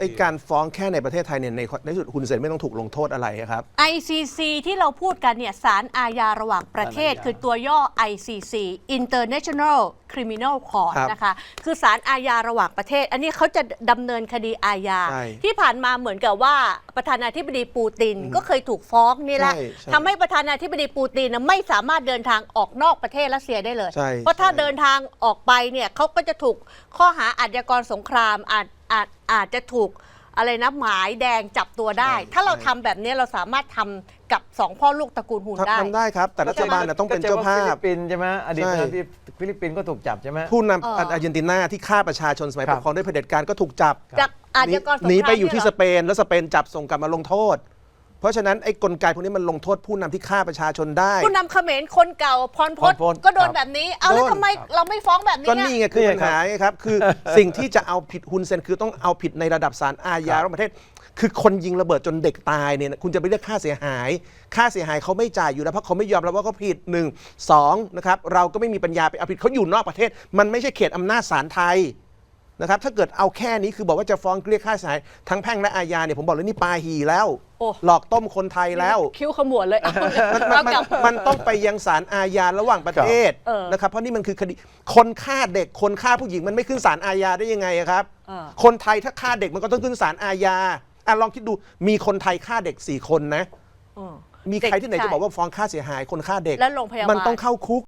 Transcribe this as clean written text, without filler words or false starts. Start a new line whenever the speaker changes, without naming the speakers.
อ้การฟ้องแค่ในประเทศไทยเนี่ยในที่สุดคุณเซนไม่ต้องถูกลงโทษอะไรครับ
ICC ที่เราพูดกันเนี่ยศาลอาญาระหว่างประเทศคือตัวย่อ ICC International Criminal Court นะคะคือศาลอาญาระหว่างประเทศอันนี้เขาจะดำเนินคดีอาญาที่ผ่านมาเหมือนกับว่าประธานาธิบดีปูตินก็เคยถูกฟ้องนี่แหละทำให้ประธานาธิบดีปูตินไม่สามารถเดินทางออกนอกประเทศรัสเซียได้เลยเพราะถ้าเดินทางออกไปเนี่ยเขาก็จะถูกข้อหาอาชญากรสงครามอาจจะถูกอะไรนะหมายแดงจับตัวได้ ถ้าเราทำแบบนี้เราสามารถทำกับสองพ่อลูกตระกูลฮูนได้
ทำได้ครับแต่รัฐบาลต้องเป็นเจ้าภาพ
ฟิลิปปินส์ใช่ไหมอดีตที่ฟิลิปปินส์ก็ถูกจับใช่ไหม
ผู้นำอาร์เจนตินาที่ฆ่าประชาชนสมัยปกครองด้วยเผด็จการก็ถูกจับ
จากอาชญากรสงคราม
หนีไปอยู่ที่สเปนแล้วสเปนจับส่งกลับมาลงโทษเพราะฉะนั้นไอ้กลไกพวกนี้มันลงโทษผู้นำที่ฆ่าประชาชนได้
ผู้นำเขมรคนเก่าพรพศก็โดนแบบนี้เอาแล้วทำไมเราไม่ฟ้องแบบนี้
ก็นี่ไงคือปัญหาไงครับคือสิ่งที่จะเอาผิดฮุนเซนคือต้องเอาผิดในระดับศาลอาญาระหว่างประเทศคือคนยิงระเบิดจนเด็กตายเนี่ยคุณจะไปเรียกค่าเสียหายเขาไม่จ่ายอยู่แล้วเพราะเขาไม่ยอมรับว่าเขาผิด1 2นะครับเราก็ไม่มีปัญญาไปเอาผิดเขาอยู่นอกประเทศมันไม่ใช่เขตอำนาจศาลไทยนะครับถ้าเกิดเอาแค่นี้คือบอกว่าจะฟ้องเรียกค่าเสียหายทั้งแพ่งและอาญาเนี่ยผมบอกเลยนี่ปาหีแล้วหลอกต้มคนไทยแล้ว
คิ้วขมวดเลย
มันต้องไปยังศาลอาญาระหว่างประเทศนะครับเพราะนี่มันคือคดีคนฆ่าเด็กคนฆ่าผู้หญิงมันไม่ขึ้นศาลอาญาได้ยังไงครับคนไทยถ้าฆ่าเด็กมันก็ต้องขึ้นศาลอาญาลองคิดดูมีคนไทยฆ่าเด็ก4 คนนะมีใครที่ไหนจะบอกว่าฟ้องค่าเสียหายคนฆ่าเด็ก
และโรงพยาบาล
มันต้องเข้าคุก